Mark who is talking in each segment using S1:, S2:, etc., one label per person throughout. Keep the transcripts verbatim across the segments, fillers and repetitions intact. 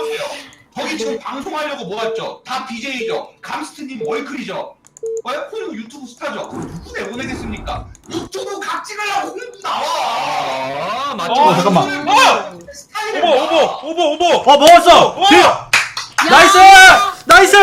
S1: 보세요. 거기 지금 방송하려고 모았죠. 다 비제이죠. 감스트님 월클이죠. 그리고 유튜브 스타죠. 누구 내보내겠습니까? 유튜브 각 찍으려고 홍보 나와.
S2: 아 맞죠.
S3: 어, 잠깐만.
S1: 어!
S4: 오버 오버 오버 오버.
S3: 어 먹었어.
S4: 어!
S3: 딜! 나이스! 나이스!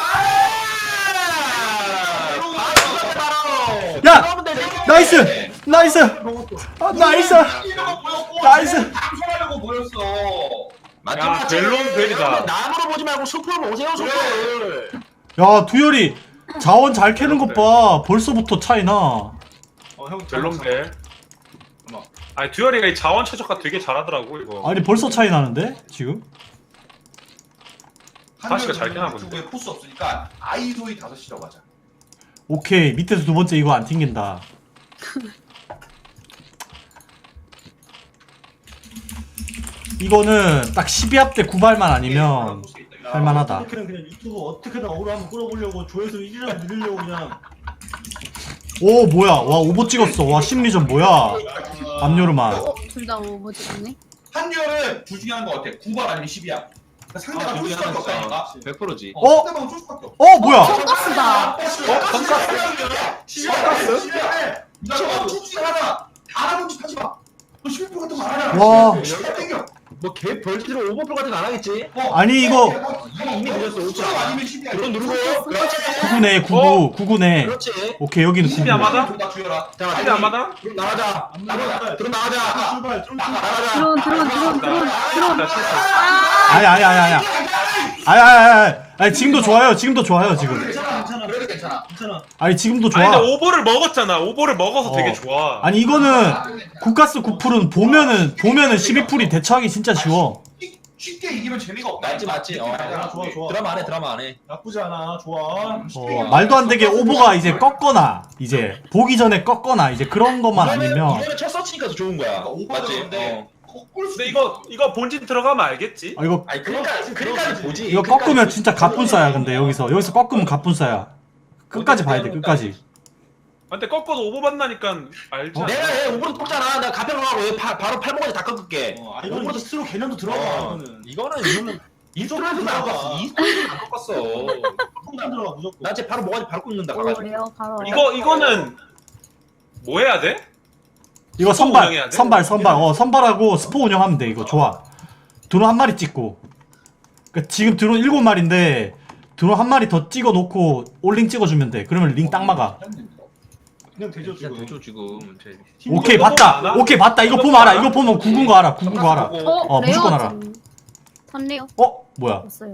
S3: 야! 나이스! 나이스! 아, 나이스! 나이스!
S1: 방송하려고 모였어.
S4: 야 벨론 벨이다.
S2: 나무로 보지 말고 숲으로 보세요 숲을.
S3: 야 두열이 자원 잘 캐는 것 봐. 벌써부터 차이나.
S4: 어형 벨론 벨. 아니 듀얼이가 이 자원 최적화 되게 잘하더라고 이거.
S3: 아니 벌써 차이 나는데 지금?
S4: 다시가 잘 깨나 본데.
S1: 유튜브에 포스 없으니까 아이소이 다섯 시라고 하자.
S3: 오케이 밑에서 두 번째 이거 안 튕긴다. 이거는 딱 십이 합 대 구 발만 아니면 할만하다.
S5: 어떻게든 그냥 유튜브 어떻게든 어그로 한번 끌어보려고 조회수 일이라도 늘리려고 그냥.
S3: 오 뭐야 와 오버 찍었어. 와 심리전 뭐야 압류르만.
S6: 어? 둘 다 오버 찍었네?
S1: 한열은 둘 중에 하는 거 같아. 구 발 아니면 십이야. 그러니까 상대가 쫄 수밖에 없다니까.
S2: 백 퍼센트지.
S3: 어?
S1: 상대방은 쫄 수밖에 없어.
S3: 어 뭐야
S6: 돈가스다!
S1: 어? 돈가스? 돈가스? 나 너 쫄지 하나. 알아본 척 하지 마. 너 십일 분 같은 거 안 하잖아.
S3: 와.
S1: 십일 땡겨.
S2: 뭐개 벌지로 오버풀 같은 거 안 하겠지?
S1: 어.
S3: 아니, 이거-
S1: 이미 이미 늦었어. 오천 아니면 십이야.
S2: 그럼 누르고. 그렇지.
S3: 구구네 구구 구구네.
S2: 그렇지.
S3: 오케이 여기는
S4: 십이
S3: 구구.
S4: 안 맞아?
S1: 나 주여라.
S2: 자
S4: 십이 안 맞아?
S2: 그럼 나가자. 나가자. 그럼 나가자.
S5: 출발 좀
S2: 나가자.
S6: 드론 드론 드론 드론 드론
S4: 나 실수.
S3: 아니 아니 아니 아니 아니 아니 아니 아니 지금도 좋아요 지금도 좋아요 지금.
S5: 괜찮아 괜찮아
S1: 그래도 괜찮아.
S5: 괜찮아.
S3: 아니 지금도
S4: 아니
S3: 좋아.
S4: 근데 오버를 먹었잖아. 오버를 먹어서
S3: 어.
S4: 되게 좋아.
S3: 아니 이거는 국가스 구 풀은 보면은 보면은 십이 풀이 대처하기 진짜 쉬워.
S1: 쉽- 쉽게 이기면 재미가 없다.
S2: 맞지 맞지. 어.
S5: 좋아 좋아.
S2: 드라마 안 해. 드라마 안 해.
S5: 나쁘지 않아. 좋아.
S3: 어, 말도 안 되게 오버가 이제 꺾거나 이제 보기 전에 꺾거나 이제 그런 것만 아니면
S2: 이거는 첫 서치니까 더 좋은 거야.
S1: 그러니까
S2: 맞지?
S1: 오버인데.
S2: 어.
S4: 근데 이거 이거 본진 들어가면 알겠지?
S3: 아 이거
S2: 아니 그러니까 그러니까 보지.
S3: 이거 꺾으면 진짜 갑분싸야. 근데 여기서 여기서 꺾으면 갑분싸야. 끝까지 봐야 돼 끝까지.
S4: 아, 근데 꺾어도 오버 받나니까 알지.
S3: 어?
S2: 내가 얘 오버로 꺾잖아. 나 가평하고 얘 바, 바로 팔목까지 다 꺾을게.
S5: 어, 아, 이거는 스스로 개념도 들어가.
S2: 어.
S5: 이거는.
S2: 이거는 이거는 이스토리에서 안 꺾었어. 이스토리에서 안 꺾었어.
S5: 무조건 들어가 무조건.
S2: 나 쟤 바로 뭐가지 바로 꺾는다.
S6: 오
S2: 가가지고.
S6: 레어 바로
S4: 이거 이거는 뭐 해야 돼?
S3: 이거
S4: 스포
S3: 선발
S4: 운영해야 돼?
S3: 선발 선발 어 선발하고 스포 운영하면 돼. 이거 좋아. 드론 한 마리 찍고. 그러니까 지금 드론 일곱 마리인데 드론 한 마리 더 찍어 놓고 올링 찍어주면 돼. 그러면 링 딱 막아.
S5: 그냥 되죠
S2: 그냥
S5: 지금.
S2: 대죠 지금. 쟤.
S3: 오케이
S4: 이거
S3: 봤다.
S4: 보면 알아?
S3: 오케이 봤다. 이거 보면 알아. 이거 보면 구군 거 알아. 구군 거 알아.
S2: 보고.
S6: 어?
S3: 어, 무조건
S6: 레어
S3: 알아.
S6: 지금 선레어
S3: 어 뭐야?
S6: 없어요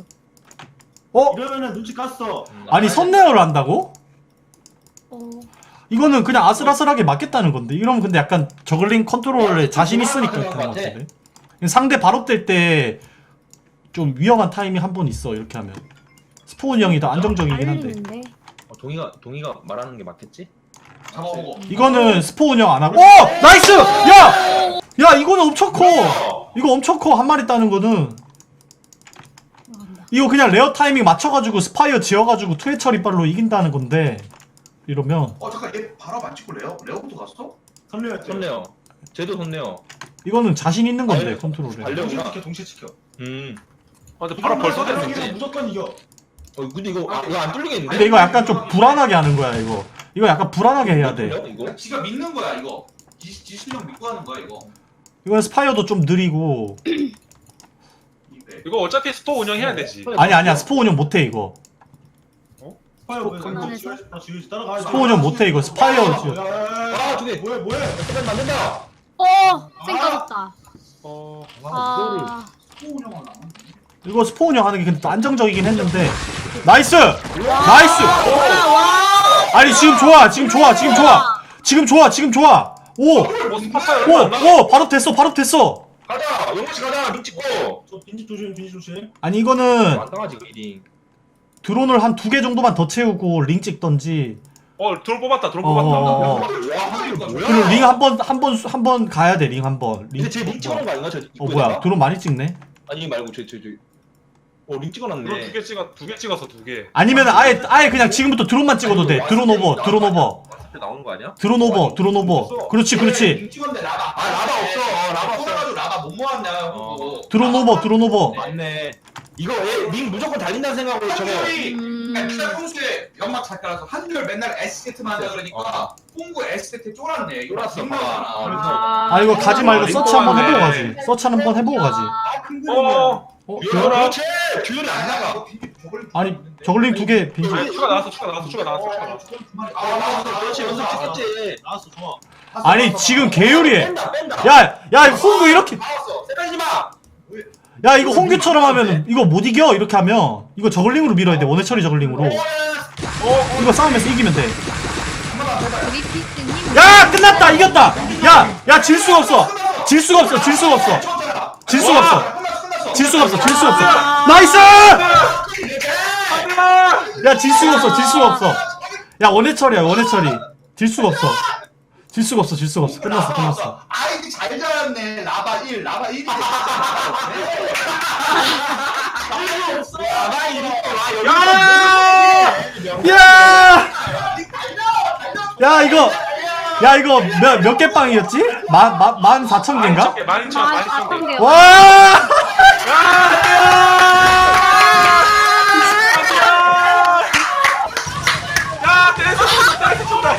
S3: 어
S5: 이러면은 눈치 깠어.
S3: 아니 선내어를 한다고?
S6: 어
S3: 이거는 그냥 아슬아슬하게 맞겠다는 건데. 이러면 근데 약간 저글링 컨트롤에 자신 있으니까
S2: 그런
S3: 그런
S2: 것
S3: 것
S2: 같아.
S3: 같은데. 상대 바로 뗄 때 좀 위험한 타이밍 한 번 있어. 이렇게 하면 스포은 형이 더 안정적이긴 한데.
S6: 알리는데
S2: 어, 동이가 동이가 말하는 게 맞겠지?
S1: 잡아보고.
S3: 이거는 스포 운영 안 하고. 오! 나이스! 야! 야, 이거는 엄청 커! 이거 엄청 커, 한 마리 따는 거는.
S6: 들어간다
S3: 이거 그냥 레어 타이밍 맞춰가지고 스파이어 지어가지고 투회 처리빨로 이긴다는 건데. 이러면.
S1: 어 잠깐 얘 바로 안 찍고 레어? 레어부터 갔어?
S5: 선례였지.
S2: 손내요. 쟤도 손내요.
S3: 이거는 자신 있는 건데,
S2: 아니,
S3: 컨트롤에.
S2: 발려.
S5: 동시에 지켜 동시에 지켜.
S2: 음.
S4: 아, 근데 바로 벌써
S5: 이러면
S4: 됐는데.
S5: 무조건 이겨.
S2: 어 근데 이거 아, 이거 안 뚫리겠는데?
S3: 근데 이거 약간 좀 불안하게 하는 거야, 이거. 이거 약간 불안하게 해야 돼.
S2: 뚫려, 이거?
S1: 지가 믿는 거야 이거. 지, 지 실력 믿고 하는 거야 이거.
S3: 이건 스파이어도 좀 느리고.
S1: 이게.
S4: 이거 어차피 스포 운영해야 되지.
S3: 아니, 아니야, 스포 운영 못해, 이거.
S5: 스파이어 왜
S6: 안
S5: 너
S6: 해서?
S5: 지금 나 지금 따라가.
S3: 스포 운영 못해, 이거. 스파이어.
S2: 아, 두 개.
S5: 뭐해 뭐해?
S2: 잠깐 만든다.
S6: 어! 쌩 까졌다
S4: 어.
S6: 아
S1: 스포 운영은 안
S3: 이거 스포 운영 하는 게 근데 또 안정적이긴 했는데. 나이스! 나이스! 아니, 지금 좋아, 지금 좋아, 지금 좋아. 지금 좋아, 지금 좋아. 오!
S4: 뭐 스파파이어
S3: 오!
S4: 얼마 안 나?
S3: 오! 바로 됐어, 바로 됐어.
S2: 가자. 영무씨 가자. 링 찍고.
S5: 저 빈집 조심 빈집 조심.
S3: 아니, 이거는
S2: 안 당하지 그 링.
S3: 드론을 한 두 개 정도만 더 채우고 링 찍던지.
S4: 어, 드론 뽑았다. 드론
S3: 어,
S4: 뽑았다.
S3: 어, 어.
S2: 와, 이거 뭐야?
S3: 그리고 링 한 번, 한 번, 한 번 가야 돼, 링 한 번. 링.
S2: 근데 쟤링 찍어놓은 거 아닌가? 저
S3: 어, 뭐야. 드론 많이 찍네.
S2: 아니 말고 쟤 쟤 쟤. 어, 링 찍어놨네.
S4: 드론 두 개 찍어 두 개 찍어서 두 개.
S3: 아니면 아예, 아예 그냥 지금부터 드론만 찍어도 돼. 드론 오버, 드론 오버.
S2: 왔을 때 나오는 거 아니야?
S3: 드론 오버, 드론 오버. 그렇지, 그렇지.
S1: 링 찍었는데 라바.
S2: 아, 라바 없어. 어, 라바 없어.
S1: 꽂아가지고 라바 못 모았냐
S2: 어.
S1: 고
S3: 드론 오버, 드론 오버.
S2: 맞네. 이거 얘링 무조건 달린다는 생각으로 저거.
S1: 한결이
S6: 음.
S1: 맨날 평소에 연막 잘 깔아서 한결 맨날 S세트만 하자 그러니까 홍구 S세트 쫄았네. 이거
S2: 쫄았어.
S1: 생각하나.
S6: 아,
S3: 아 이거 가지 말고
S4: 링크
S3: 서치 한번
S4: 왔네.
S3: 해보고 가지. 서치 한번 해보고 가지.
S1: 아, 큰
S4: 어.
S1: 그림이야.
S3: 어?
S2: 그렇지.
S1: 듀얼이 안 나가. 저걸
S3: 아니 저글링 두 개 빈.
S4: 아니, 추가 나왔어 추가 나왔어 추가 나왔어 추가 나왔어.
S1: 아,
S2: 그렇지 연습 찍었지.
S5: 나왔어 좋아.
S3: 아니 지금 개요리해.
S2: 뺀다 뺀다.
S3: 야, 야 홍구 이렇게.
S2: 나왔어. 세까지 마.
S3: 야 이거 홍규처럼 하면 이거 못 이겨 이렇게 하면 이거 저글링으로 밀어야 돼. 원해 처리 저글링으로. 이거 싸우면서 이기면 돼.
S6: 브리피스님.
S3: 야 끝났다 이겼다. 야, 야 질 수가 없어. 질 수가 없어. 질 수가 없어. 질 수가 없어. 질 수가 없어. 질 수가 없어. 나이스! 야 질 수가 없어. 질 수가 없어. 야 원해 처리야 원해 처리. 질 수가 없어. 질 수가 없어. 질 수가 없어. 끝났어 끝났어.
S1: 아이디 잘 잡았네. 라바 일, 라바 일이
S3: 야! 야 이거 야 이거 몇 몇 개 빵이었지? 만만 사천 개인가?
S4: 만 이천
S6: 아,
S4: 만 이천
S6: 아픈
S4: 개.
S6: 게.
S3: 와!
S4: 야 때렸어 때렸어 쏜다.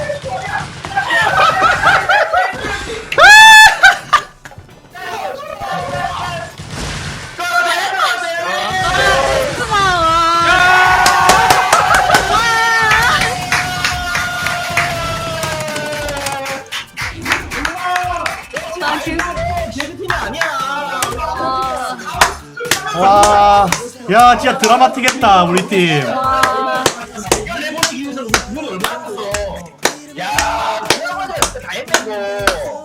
S6: 나 그.
S2: 제주팀이 아니야.
S6: 아,
S3: 와! 야 진짜 드라마틱했다 우리 팀.
S6: 와.
S2: 이걸 해보기 위해서 우리 구멍이 얼마나 컸어. 야, 그나마자 다 했다고.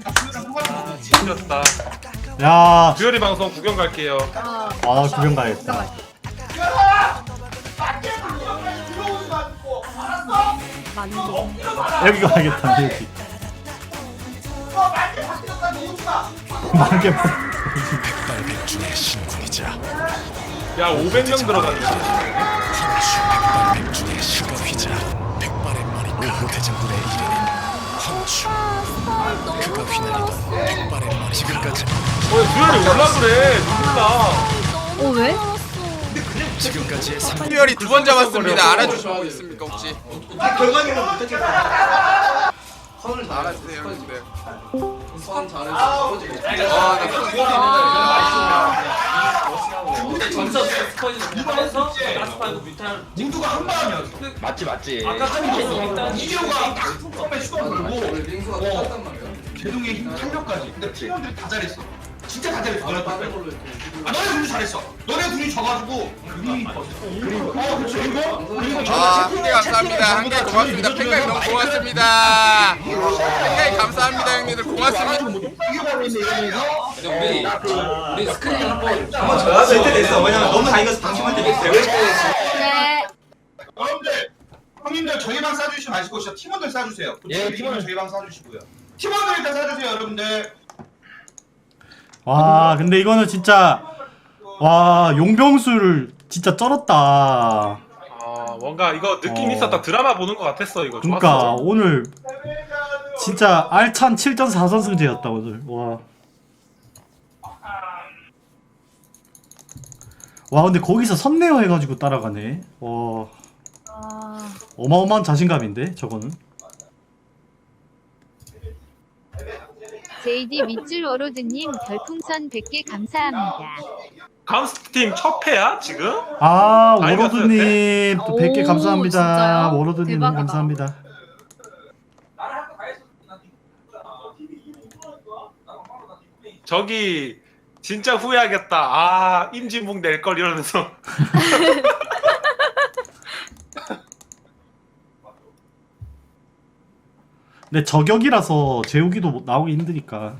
S4: 힘들었다.
S3: 야,
S4: 듀얼이 방송 구경 갈게요.
S6: 아,
S3: 아 구경 가야겠다.
S6: 만두.
S3: 여기 가야겠다 여기. 만개
S7: 백발백중의 신군이자
S4: 야 오백 명 들어갔네.
S7: 백발백중의 신군이자 백발의 머리카 대장군의 이래낸 헌추 그가 휘날리던 백발의 머리 지금까지
S4: 어 듀얼이 올라 그래. 누굴라.
S6: 어, 왜?
S7: 지금까지의 삼
S8: 특별히 두 번 잡았습니다. 알아주시고 있습니까 혹시?
S1: 결과적으로 못했겠어.
S8: 알아주세요 형님들.
S1: 모두가 한 마음이었어.
S2: 맞지 맞지.
S1: 이재호가 딱 처음에 슈퍼 걸고 어, 제동의 힘 탄력까지. 근데 팀원들이 다 잘했어. 진짜 다 잘했어. 너네 둘. 아 너네 둘이 잘했어. 너네 둘이 져가지고 그림이 그리고 어 그렇죠. 그리고 그리고
S8: 아, 한 개 감사합니다. 한 개 고맙습니다. 팬가입 너무 고맙습니다. 팬가입 감사합니다 형님들 고맙습니다.
S1: 이겨버리네 이러면서
S9: 우리 우리 스크린 한번
S2: 져야 될 때 됐어. 왜냐면 너무 다 이겨서 방심한테 됐어.
S6: 네.
S1: 여러분들 형님들 저희 방 싸주시면 아실 것이죠. 팀원들 싸주세요.
S2: 예,
S1: 팀원들 저희 방 싸주시고요. 팀원들 일단 싸주세요 여러분들.
S3: 와 근데 이거는 진짜 와 용병수를 진짜 쩔었다.
S4: 아 뭔가 이거 느낌
S3: 어.
S4: 있었다. 드라마 보는 것 같았어 이거.
S3: 그러니까
S4: 좋았어.
S3: 오늘 진짜 알찬 칠 전 사 선승제였다 오늘. 와. 와 근데 거기서 선내어 해가지고 따라가네. 와
S6: 아,
S3: 어마어마한 자신감인데 저거는.
S6: 제이디 밑줄 워로드님 별풍선 백 개 감사합니다.
S4: 감스팀 첫 패야 지금?
S3: 아
S4: 다
S3: 워로드님 또 백 개
S6: 오,
S3: 감사합니다.
S6: 진짜요?
S3: 워로드님 너무
S6: 대박이다.
S3: 감사합니다.
S4: 저기 진짜 후회하겠다. 아 임진묵 낼 걸 이러면서.
S3: 근데 저격이라서 재우기도 나오기 힘드니까.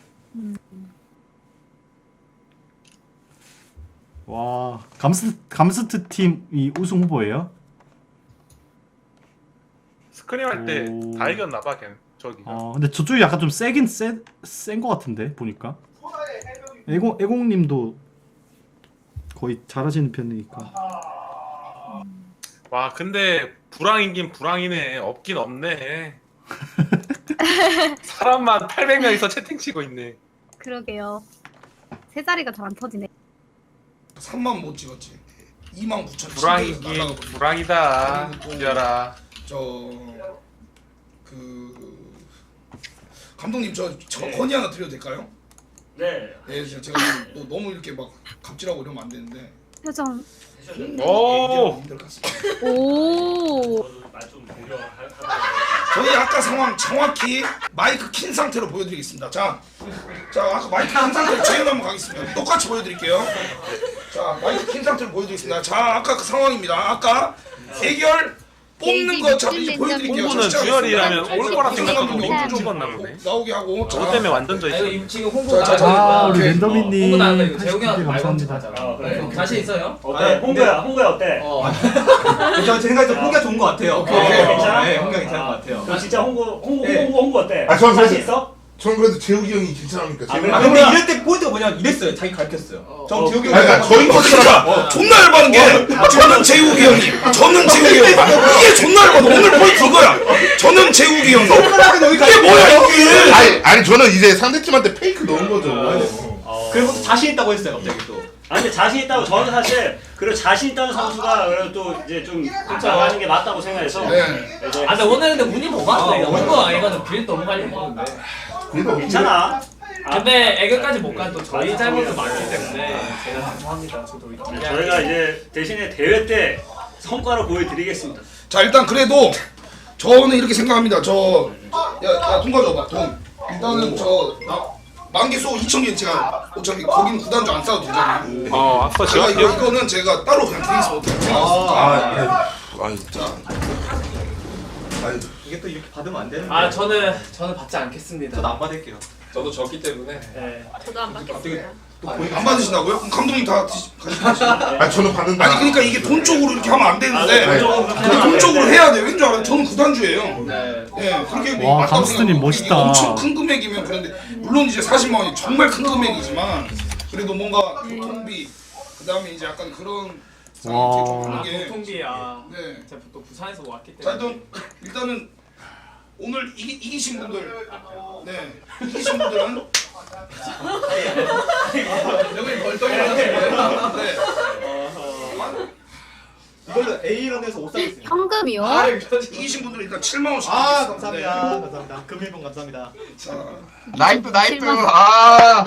S3: 와 감스 감스트 팀이 우승 후보예요?
S4: 스크림 할 때
S3: 오.
S4: 다 이겼나봐 걔 저기가.
S3: 어 근데 저쪽이 약간 좀 세긴 센센거 같은데 보니까. 애공 애공님도 거의 잘하시는 편이니까.
S4: 와 근데 불황이긴 불황이네. 없긴 없네. 사람만 팔백 명이서 채팅 치고 있네.
S6: 그러게요. 세 자리가 잘 안 터지네.
S10: 삼만 못 찍었지. 이만 구천
S4: 불황이긴 불황이다. 듀얼아.
S10: 저그 감독님 저, 저 건의 하나 드려도 될까요?
S5: 네.
S10: 네, 제가, 제가 너, 너무 이렇게 막 갑질하고 이러면 안 되는데.
S6: 표정.
S4: 오.
S10: 힘들 것 같습니다.
S6: 오.
S5: 말좀 공격.
S10: 저희 아까 상황 정확히 마이크 킨 상태로 보여드리겠습니다. 자, 자 아까 마이크 킨 상태로 재현 한번 가겠습니다. 똑같이 보여드릴게요. 자, 마이크 킨 상태로 보여드리겠습니다. 자, 아까 그 상황입니다. 아까 대결 뽑는 거 자 이제 보여드릴게요.
S4: 홍보는 듀얼이라면 올 거라 생각하고 링크
S6: 네.
S4: 찍었나 보네.
S10: 나오게 하고.
S4: 저거 때문에 완전 져
S9: 아,
S4: 있어.
S9: 이거 지금 홍보
S10: 자, 자, 자.
S3: 아 우리
S10: 오케이.
S3: 랜더미님
S9: 홍보 나간다 이거 재웅이
S3: 팔십 개
S9: 형 말고
S3: 감사합니다.
S9: 하자.
S5: 어, 그래.
S9: 자신 있어요?
S5: 어때? 홍보야, 홍보야 어때?
S9: 어.
S2: 저 생각에 홍기가 좋은 것 같아요.
S10: 오케이, 오케이.
S5: 괜찮아?
S2: 네, 홍기가 괜찮은 것 같아요.
S5: 너 진짜 홍보, 홍보,
S2: 네.
S5: 홍보, 홍보 어때?
S11: 아, 저는
S5: 자신
S11: 그래도-
S5: 있어?
S11: 전 그래도 재욱이 형이 괜찮으니까.
S5: 아,
S11: 재욱이
S5: 그래?
S2: 아
S11: 형.
S2: 근데 이럴 때 포인트가 뭐냐면 이랬어요. 자기 가르쳤어요. 전
S5: 어,
S2: 재욱이
S11: 아니, 그러니까 저희
S10: 어, 진짜 존나 열받은 게 저는 재욱이 형님, 저는 재욱이 형님. 이게 존나 열받아. 오늘 포인트 이거야. 저는 재욱이 형님. 이게 뭐야 여기?
S11: 아니, 아니 저는 이제 상대팀한테 페이크 넣은 거죠.
S5: 어.
S2: 그리고 자신 있다고 했어요. 갑자기 또.
S5: 아 근데 자신 있다고 저는 사실 그리고 자신 있다는 선수가 그래도 또 이제 좀 나가는 게 맞다고 생각해서
S10: 네.
S5: 이제
S9: 아 근데 오늘 근데 운이 못 맞네. 홍보 아니거든. 빌 너무 많이 먹었는데.
S11: 그래도
S5: 괜찮아.
S9: 근데 애교까지 못 간 또 저희 잘못도 많기 때문에 제가 죄송합니다. 저도
S5: 네, 저희가 이제 대신에 대회 때 성과를 보여드리겠습니다.
S10: 자 일단 그래도 저는 이렇게 생각합니다. 저 야야 돈 가져봐 돈. 일단은 저 나, 만개소 이천 개 제가 어차피 거기는 구단주 안 싸도 되잖아요.
S4: 어 아까
S10: 제가
S4: 제가
S10: 이거, 이거는 제가 따로 그냥 드리겠습니다.
S11: 아, 아니,
S10: 자
S11: 아니,
S2: 이게 또 이렇게 받으면 안 되는데.
S9: 아 저는 저는 받지 않겠습니다.
S2: 저도 안 받을게요.
S9: 저도 졌기 때문에.
S5: 네.
S6: 저도 안 받겠어요.
S10: 안 받으신다고요? 그럼 감독님 다 드시, 가시죠.
S11: 아니 저는 받는다.
S10: 아니 그러니까 이게 돈 쪽으로 이렇게 하면 안 되는데
S5: 아, 네, 돈 쪽으로 그렇게
S10: 근데
S5: 하면
S10: 돈
S5: 안
S10: 쪽으로
S5: 되는데.
S10: 해야 돼요. 왠줄 알아요? 저는 구단주예요.
S9: 네.
S10: 예, 그렇게
S3: 와,
S10: 맞다고
S3: 감스트님
S10: 생각하고
S3: 멋있다.
S10: 이게 엄청 큰 금액이면 그런데 물론 이제 사십만 원이 정말 큰 금액이지만 그래도 뭔가 교통비 그다음에 이제 약간 그런
S3: 와.
S10: 좀
S9: 아
S10: 하는 게
S9: 교통비야.
S10: 네.
S9: 제가 또 부산에서 왔기
S10: 자
S9: 때문에.
S10: 일단 일단은 오늘 이기, 이기신 분들 네 이기신 분들은 여기 벌떡이 나는데 네.
S2: 이걸로 A런에서 옷 사겠습니다.
S6: 현금이요?
S10: 아, 이기신 분들은 일단 칠만 원씩
S2: 아
S10: 드리겠습니다.
S2: 감사합니다. 감사합니다. 금일봉 감사합니다.
S10: 자,
S8: 나이트 나이트.
S6: 실망.
S8: 아.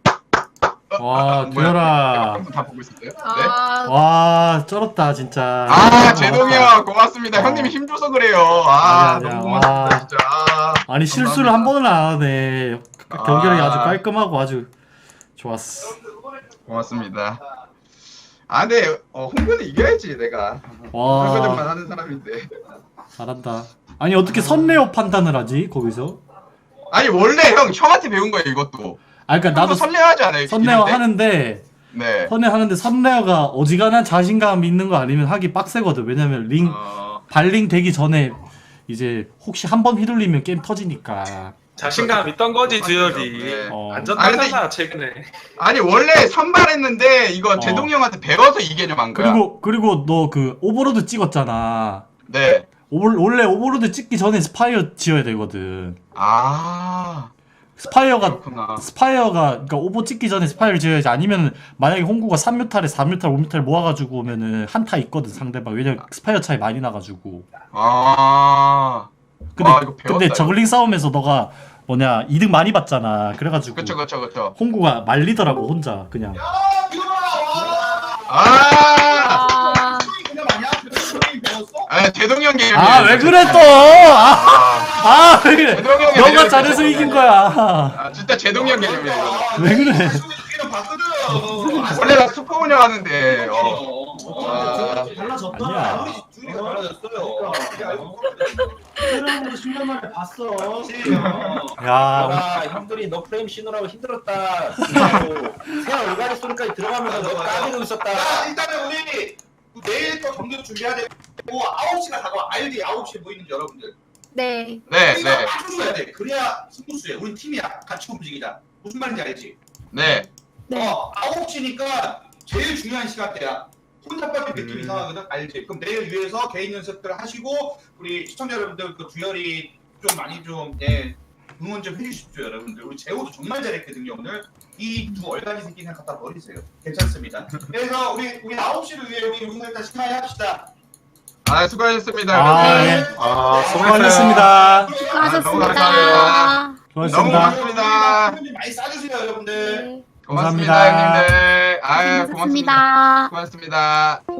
S3: 와 듀얼아
S8: 다 보고 있었어요? 네.
S6: 아,
S3: 와 쩔었다 진짜.
S8: 아 제동이 형 고맙습니다. 형님이 힘줘서 그래요. 아
S3: 아니야,
S8: 너무
S3: 아니야.
S8: 고맙습니다
S3: 와.
S8: 진짜. 아,
S3: 아니 실수를
S8: 감사합니다.
S3: 한 번은 안 하네. 경기력이
S8: 아.
S3: 아주 깔끔하고 아주 좋았어.
S8: 고맙습니다. 아 근데 어, 홍보는 이겨야지 내가. 홍보만
S3: 와
S8: 하는 사람인데.
S3: 잘한다. 아니 어떻게 선레어 판단을 하지 거기서?
S8: 아니 원래 형 형한테 배운 거예요 이것도.
S3: 아 그러니까
S8: 나도
S3: 나도
S8: 선례하지 않아요?
S3: 선레어
S8: 이럴 때?
S3: 하는데
S8: 네.
S3: 선레어 하는데 선레어가 어지간한 자신감 있는 거 아니면 하기 빡세거든. 왜냐면 링
S8: 어...
S3: 발링 되기 전에 이제 혹시 한 번 휘둘리면 게임 터지니까.
S4: 자신감 있던 거지 듀얼이.
S8: 네.
S3: 어.
S4: 완전
S8: 아, 근데
S4: 따잖아 최근에.
S8: 아니 원래 선발했는데 이거
S3: 어.
S8: 제동이 형한테 배워서 이 개념 한 거야.
S3: 그리고 그리고 너 그 오버로드 찍었잖아.
S8: 네.
S3: 오버, 원래 오버로드 찍기 전에 스파이어 지어야 되거든.
S8: 아
S3: 스파이어가
S8: 그렇구나.
S3: 스파이어가 그러니까 오버 찍기 전에 스파이어를 지어야지. 아니면 만약에 홍구가 삼 뮤탈에 사 뮤탈 오 뮤탈 모아가지고 오면은 한타 있거든 상대방. 왜냐면 스파이어 차이 많이 나가지고.
S8: 아.
S3: 근데
S8: 아, 이거 배웠다,
S3: 근데
S8: 이거.
S3: 저글링 싸움에서 너가 뭐냐 이득 많이 봤잖아. 그래가지고
S8: 그쵸 그쵸 그쵸.
S3: 홍구가 말리더라고 혼자 그냥.
S8: 아.
S6: 아,
S10: 그냥 아니야? 그래서 배웠어?
S8: 아 제동이 형 개념이.
S3: 아 왜 그래 또? 아,
S8: 아,
S3: 아 왜 그래?
S8: 제동이 형이
S3: 너가
S8: 아니라
S3: 잘해서
S8: 제동이
S3: 이긴
S8: 형이.
S3: 거야.
S8: 아 진짜 제동이 형 개념이야 이거.
S3: 왜 그래?
S10: 그냥 봤거든.
S8: 원래 나 슈퍼 운영하는데. 어. 아.
S5: 달라졌다.
S3: 아니야.
S2: 둘이 달라졌어요.
S5: 새로운 십 년 만에 봤어.
S3: 야
S2: 아 형들이 너 프레임 신으라고 힘들었다. 새 얼간이 소리까지 들어가면서 너 까지고 있었다.
S1: 자, 일단은 우리 내일 또 경기 준비해야 되고 아홉 시가 다가와. 알지? 아홉 시에 모이는 여러분들.
S6: 네.
S8: 네
S1: 우리가
S8: 네.
S1: 맞춰줘야 돼. 그래야 승부수야. 우리 팀이야. 같이 움직이자. 무슨 말인지 알지?
S8: 네.
S6: 네.
S1: 어, 아홉 시니까 제일 중요한 시간대야. 혼자 빠진 느낌
S8: 음.
S1: 이상하거든? 알지? 그럼 내일 위해서 개인 연습들 하시고 우리 시청자 여러분들 그 두열이 좀 많이 좀 예, 응원 좀 해주십시오 여러분들. 우리 재호도 정말 잘했거든요 오늘. 이 두 얼간이 새끼 그냥 갖다 버리세요. 괜찮습니다. 그래서 우리 우리 아홉 시를 위해 우리 오늘 다시 하이 합시다.
S8: 아 수고하셨습니다
S3: 아,
S8: 여러분.
S3: 예.
S4: 아
S3: 수고하셨습니다.
S8: 수고하셨습니다. 너무
S3: 수고하셨습니다.
S8: 고맙습니다.
S1: 많이 싸주세요 여러분들.
S8: 고맙습니다
S3: 감사합니다.
S8: 형님들. 아유 고맙습니다. 고맙습니다.